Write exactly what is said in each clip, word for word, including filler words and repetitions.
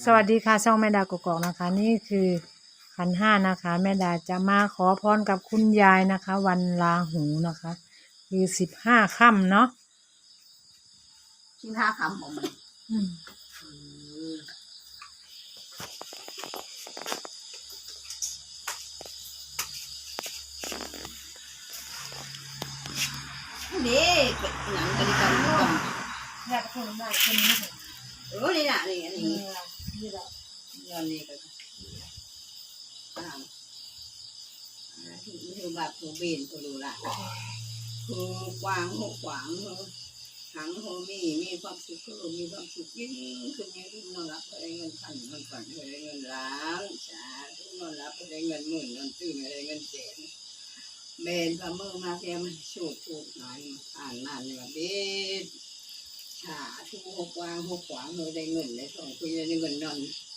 สวัสดีค่ะช่องแม่ดากกอกนะคะนี่คือขันห้านะคะแม่ดาจะมาขอพรกับคุณยายนะคะ วันลาหูนะคะคือสิบห้าค่ำเนาะสิบห้าคำของมันนี่หนังกันกันกันอยากคนได้คนนี้เออนี่น่ะนี่อันนี้นี่แหละนี่กันอ่าที่คือแบบผู้เบนผู้ดูละคือกวางหัวขวางหังโฮมีมีความสุขคือมีความสุขยิ่งขึ้นยิ่งขึ้นนอนรับได้เงินพันเงินฝันได้เงินล้านจ้าทุกนอนรับได้เงินหมื่นเงินตื่นได้เงินแสนเบนพระมือมาแค่มันโฉดถูกหน่อยอ่านมาเนี่ยเบนชาทุกหกวางหกขวางเลยได้เงินได้ทองคุยได้เงินนอน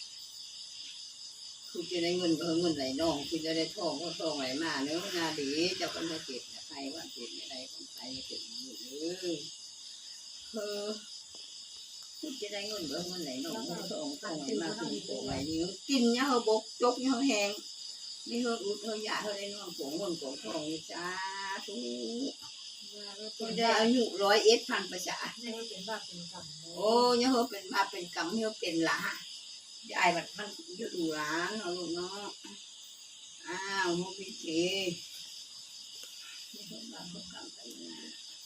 คุณจะได้เงินก็เงินไหลน้องคุณจะได้ทองก็ทองไหลมาเนื้อนาดีเจ้าคนจะเก็บใครว่าเก็บอะไรของใครเก็บอยู่เออเออคุณจะได้เงินก็เงินไหลน้องทองทองไหลมาคุณโป่งไหลนี่กินเนี่ยเขาบกจกเนี่ยเขาแหงนี่เขาอุดเขาหยาเขาได้น้องโป่งเงินโป่งทองจ้าทุกคุณจะอายุร้อยเอ็ดพันประชาโอ้เนี่ยเขาเป็นมาเป็นกรรมเนี่ยเป็นละยายแบบมันจะดูร้านเอาลูกเนาะอ้าวโมบิเชนี่เขาบ้านเขากำไปนะ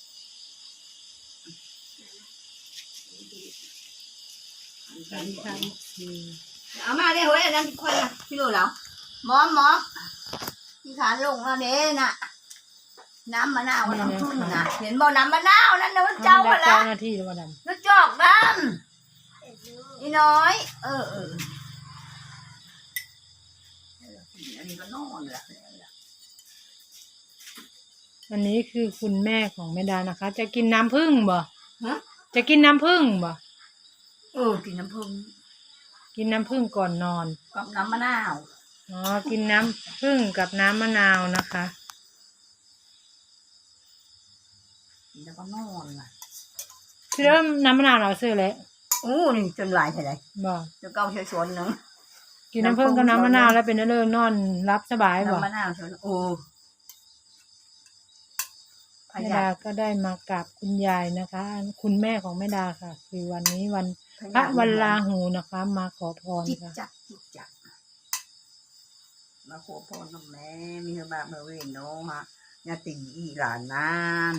เอามาได้เฮ้ยนั่นค่อยละพี่รู้แล้วหมอหมอที่ขาลงแล้วเด้น่ะน้ำมะนาวน้ำพึ่งน่ะเห็นบ่น้ำมะนาวนั่นน่ะมันเจ้ามาละหน้าที่ว่าดำ nó chọt đâm đi nói ừ ừ đi có non rồi อันนี้คือคุณแม่ของแม่ดานะคะจะกินน้ำผึ้งบ่ฮะจะกินน้ำผึ้งบ่ ừกินน้ำผึ้งกินน้ำผึ้งก่อนนอนกับน้ำมะนาวอ๋อกินน้ำผึ้งกับน้ำมะนาวนะคะแล้วก็นอนว่ะคือเริ่มน้ำมะนาวเราซื้อแล้วโอ้นี่จนหลายเท่าไหร่บ่จะเก้าเชื้อชวนนึงกินน้ำผึ้งกับน้ำมะนาวแล้วเป็นเรื่องนอนรับสบายบ่น้ำมะนาวชวนโอ้พแม่ยาดาก็ได้มากราบคุณยายนะคะ คุณแม่ของแม่ดาค่ะ คือวันนี้วันพระวันลาหูนะคะ มาขอพรจิตค่ะจักจิตจักมาขอพรกับแม่มีบาเมื่อเวนน้องฮะญาติอีหลานนาน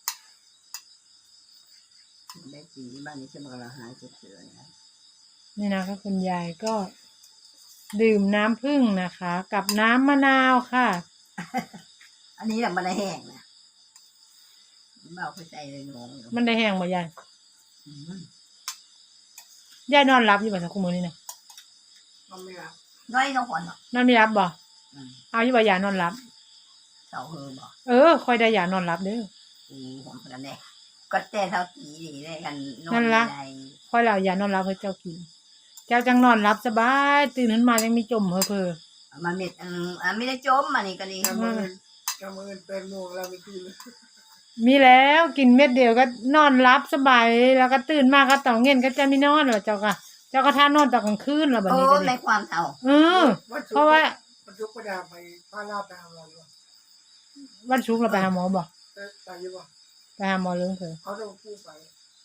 ได้ตีบ้านนี้จะมากระหายเฉยๆนะนี่นะคะคุณยายก็ดื่มน้ำผึ้งนะคะ กับน้ำมะนาวค่ะอันนี้แหละมันได้แห้งนะเบาไปใจเลยน้องมันได้แห้งบ่ยายอืมยายนอนรับอยู่บ่สักคุมื้อนี้นะนอนไม่หลับน้อยต้องขวัญหรอกนอนไม่รับบ่อืมเอาอยู่บ่ยานอนรับเสาเฮอบอกเออค่อยได้ยานอนรับเด้ออืมผมคนนั้นแน่ก็แต่เท่าตีดีได้กันนอนั่นนไม่ล่ะได้ค่อยแล้วยานอนรับให้เจ้ากิน เจ้าจังนอนรับสบายตื่นขึ้นมายังมีจมเพ้อเพ้อมันเม็ดอันอ่ะไม่ได้จมอันนี้ก็ดีกำมือกำมือเป็นโมงเราไม่กินมีแล้วกินเม็ดเดียวก็นอนรับสบายแล้วก็ตื่นมาก็ตอนเย็นก็จะไม่นอนแล้วเจ้าก็เจ้าก็ท่านอนตอนกลางคืนแล้วบัดโอ้นี้ก็ในดีความเท่าเออ เพราะว่ามันยุกประดาไปพาลาไปหาเราอยู่วันศุกร์เราไปหาหมอบ่แต่ตายอยู่บ่ไปหาหมอเรื่องเถอะเขาต้องพูดไป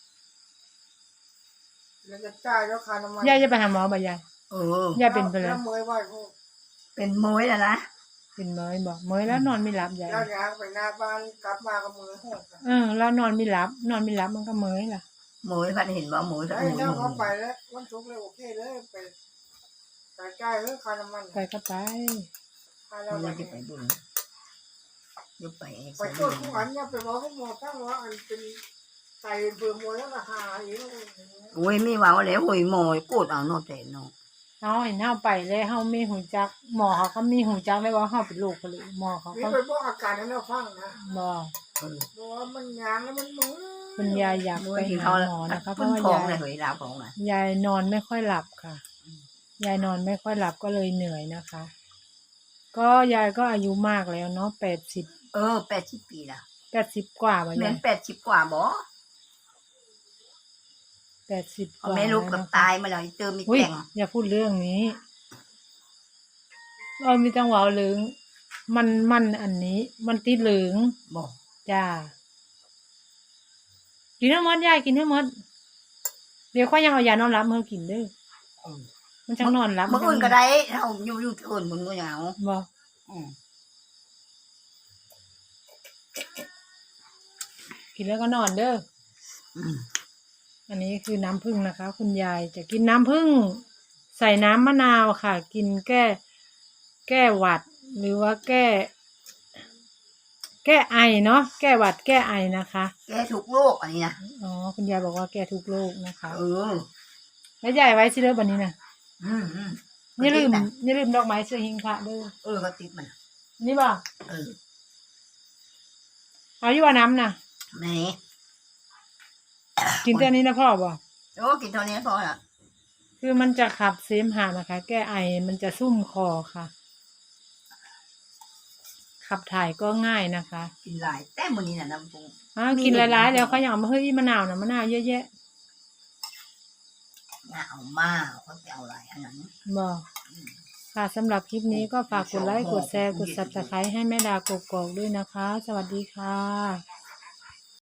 แล้วจะจ่ายแล้วค่าน้ำมันยายจะไปหาหมอบ่ยายเออยายเป็นไปแล้วแล้วเมยไหวพวกเป็นมวยแล้วนะเป็นเมยบ่เมยแล้วนอนไม่หลับยายย่างยางไปหน้าบ้านกลับมากับมือหดเออแล้วนอนไม่หลับ นอนไม่หลับมันก็เมยล่ะมวยพันเห็นว่าหมวยสักไอ้หมวยเจ้าหมเขาวยไปแล้ววันศุกร์เลยโอเคเลยไปไปจ่ายเรื่องค่าน้ำมันไปก็ไปค่าเรามัไปนจะไปบุญยกไปเองไปตรวจทุกอันเนี่ยไปบอกให้หมอตั้งว่าอันเป็นไตเบื่อมวยแล้วราคาอีกโอ้ยไม่ว่าแล้วโอ้ยมวยกูดเอาโนแต่โนเฮาเห็นเฮาไปเลยเฮามีหูจัก หมอเขาก็มีหูจักได้ว่าเฮาเป็นโรคกะเลยหมอเขานี่ก็ไปบอกอาการให้เราฟังนะบ่เออบอกว่ามันยางแล้วมันมือคุณยายอยากมวไปยที่หาเขาหมอนะคะเพพุ่ราะนว่าทองยายเลยเฮ้ยดาวของนะยายนอนไม่ค่อยหลับค่ะ ยายนอนไม่ค่อยหลับก็เลยเหนื่อยนะคะ ก็ยายก็อายุมากแล้วเนาะแปดสิบเออแปดสิบปีละแปดสิบกว่าบ่เหมืยาอย นแปดสิบกว่าบ่แปดสิบกเอาว่าแม่ลูกแล้วกับนะคะตายมาแล้วเติมมีอุ้ยแก่งอย่าพูดเรื่องนี้เรามีจังหวะเหลืองมันมันอันนี้ มันติดเหลืองบอกจ้ากินให้หมดยายกินให้หมดเดี๋ยวค่อยยังเอายานอนหลับมาให้กินเด้ออืมมันจังนอนหลับมึงอื่นก็ได้เอาอยู่อยู่ที่อื่นมึงก็เหงาบ่อืมกินแล้วก็นอนเด้ออืมอันนี้คือน้ำผึ้งนะคะ คุณยายจะกินน้ำผึ้งใส่น้ำมะนาวค่ะ กินแก้ แก้หวัด หรือว่าแก้ แก้ไอเนาะแก้หวัดแก้ไอนะคะแกทุกโรคอันนี้นะอ๋อคุณยายบอกว่าแก้ทุกโรคนะคะเออแล้วยายไว้สิเด้อบัดนี้นะอืมอืมอย่าลืมก็ติดน่ะอย่าลืมดอกไม้เสื้อหิงพระเด้อเออก็ติดมันนี่บ่เออเอาอยู่ว่าน้ำน่ะแม่กินแต่นี้นะพ่อบ่โอ้กินเท่านี้พอละคือมันจะขับเสมหะนะคะ แก้ไอมันจะซุ่มคอค่ะ ขับถ่ายก็ง่ายนะคะกินหลายแต่มื้อนี้น่ะน้ำปรุงอ่ากินหลายๆแล้วเขาอยากเอามาเฮ้ยมะนาวนะมะนาวเยอะแยะน่าเอามาเขาจะเอาหลายอันนั้นบ่ค่ะสำหรับคลิปนี้ก็ฝากกดไลค์กดแชร์กด ซับสไครบ์ ให้แม่ดากกอกๆด้วยนะคะ สวัสดีค่ะ